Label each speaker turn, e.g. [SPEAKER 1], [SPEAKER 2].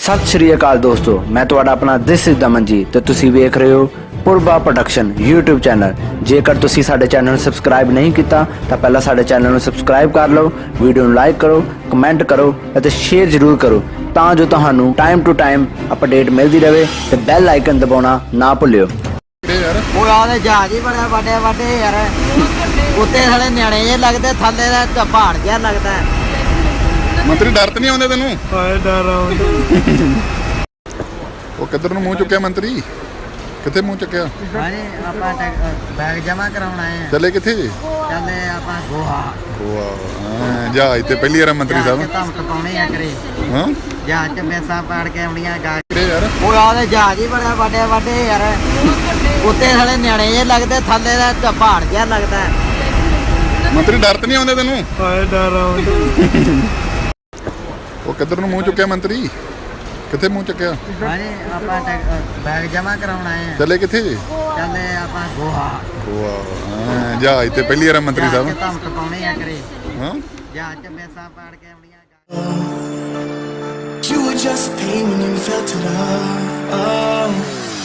[SPEAKER 1] सत श्री अकाल दोस्तों, मैं तुहाडा अपना दिस इज दमन जी ते तुसी वेख रहे हो पुरबा प्रोडक्शन यूट्यूब चैनल। जेकर तुसी साडे चैनल नूं सबसक्राइब नहीं किया तो पहला साडे चैनल नूं सबसक्राइब कर लो, वीडियो नूं लाइक करो, कमेंट करो ते शेयर जरूर करो तां जो तुहानूं टाइम टू टाइम अपडेट मिलती रहे ते बैल आइकन दबाउणा ना भुल्लिओ।
[SPEAKER 2] जहाज ही बड़ा वाडे वाडे यार, उत्ते साले न्याणे जे लगदे, थल्ले दा पहाड़ जिहा लगदा है।
[SPEAKER 3] मंत्री डर तो नहीं आते तेन? वो किधर नूं मुंह चुक्या मंत्री? किथे मुंह चुक्या?
[SPEAKER 2] बैग जमा कराउण आए हैं।
[SPEAKER 3] चले किथे?
[SPEAKER 2] चले आपां गोहा।
[SPEAKER 3] गोवा जहाज ते पहली बार मंत्री साहब
[SPEAKER 2] धमक पाउणी आ करे।
[SPEAKER 3] हां
[SPEAKER 2] जहाज च मेसां पाड़ के आउणियां गा
[SPEAKER 3] यार।
[SPEAKER 2] ਉਹ ਆਦੇ ਜਹਾਜ਼ ਹੀ ਬੜਾ ਵੱਡੇ ਵੱਡੇ ਯਾਰ, ਉੱਤੇ ਸਾਲੇ ਨਿਆਣੇ ਜੇ ਲੱਗਦੇ, ਥੱਲੇ ਦਾ ਪਹਾੜ ਜਿਹਾ ਲੱਗਦਾ ਹੈ।
[SPEAKER 3] ਮੰਤਰੀ ਡਰ ਤਾਂ ਨਹੀਂ ਆਉਂਦੇ ਤੈਨੂੰ?
[SPEAKER 2] ਹਾਏ ਡਰ ਆਉਂਦਾ।
[SPEAKER 3] ਉਹ ਕਿੱਧਰ ਨੂੰ ਮੂੰਹ ਚੁੱਕਿਆ ਮੰਤਰੀ? ਕਿੱਥੇ ਮੂੰਹ ਚੁੱਕਿਆ?
[SPEAKER 2] ਹਾਂਜੀ ਆਪਾਂ ਬੈਗ ਜਮਾ ਕਰਾਉਣ ਆਏ ਹਾਂ।
[SPEAKER 3] ਚੱਲੇ ਕਿੱਥੇ?
[SPEAKER 2] ਚੱਲੇ ਆਪਾਂ ਗੋਹਾ।
[SPEAKER 3] ਗੋਆ ਜਹਾਜ਼ ਤੇ ਪਹਿਲੀ ਵਾਰ ਮੰਤਰੀ ਸਾਹਿਬ
[SPEAKER 2] ਧਮਕ ਪਾਉਣੀ ਆ ਕਰੇ।
[SPEAKER 3] ਹਾਂ
[SPEAKER 2] ਜਹਾਜ਼ ਚ ਮੇਸਾਂ ਪਾੜ ਕੇ ਆਉਣੀਆਂ।
[SPEAKER 4] You were just pain when you felt it all.